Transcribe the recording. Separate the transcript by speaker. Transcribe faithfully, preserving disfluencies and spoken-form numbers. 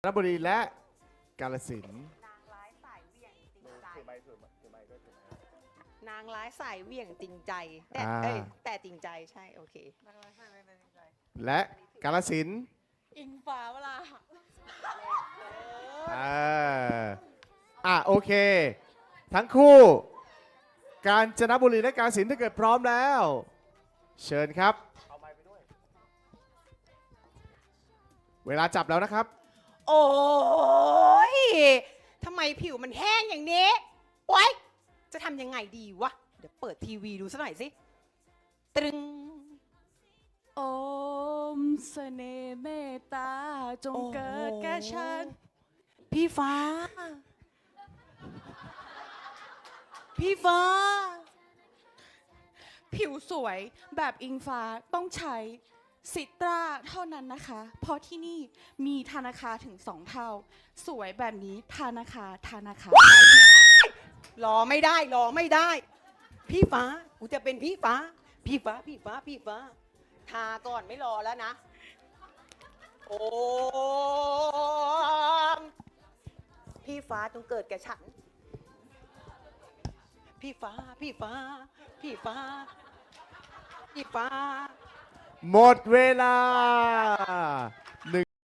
Speaker 1: นบุรีและกาฬสินธุ์
Speaker 2: นางร้ายสายเหวี่ยงจริงใจ
Speaker 3: ถือไม้ถือไม้ถือไม้ด้วยถือไม้
Speaker 2: นางร้ายสายเหวี่ยงจริงใจ แต่
Speaker 1: อ่า
Speaker 2: เอ้ยแต่จริงใจใช่โอเค
Speaker 1: และกาฬสินธุ์
Speaker 2: อิงฟ้าเวลา
Speaker 1: อ่าอ่ะโอเค ทั้งคู่ กาญจนบุรีและกาฬสินธุ์ถ้าเกิดพร้อมแล้ว เชิญครับ
Speaker 3: เอาไม้ไปด้วย
Speaker 1: เวลาจับแล้วนะครับ
Speaker 2: โอ้ยทำไมผิวมันแห้งอย่างนี้โอ๊ยจะทำยังไงดีวะ เดี๋ยวเปิดทีวีดูสักหน่อยสิ ตรึง
Speaker 4: โอมเสน่ห์เมตตาจง
Speaker 2: โอ้โห
Speaker 4: เกิดแก่ฉัน
Speaker 2: พี่ฟ้า พี่ฟ้า
Speaker 4: ผิวสวยแบบอิงฟ้าต้องใช้ซิตราเท่านั้นนะคะ เพราะที่นี่มีธนาคารถึงสองเท่า สวยแบบนี้ธนาคารธนาคาร
Speaker 2: รอไม่ได้รอไม่ได้ พี่ฟ้ากูจะเป็นพี่ฟ้า พี่ฟ้าพี่ฟ้าพี่ฟ้า ทาก่อนไม่รอแล้วนะ โอ้มพี่ฟ้าจงเกิดแก่ฉัน พี่ฟ้าพี่ฟ้า พี่ฟ้า พี่ฟ้า
Speaker 1: หมดเวลา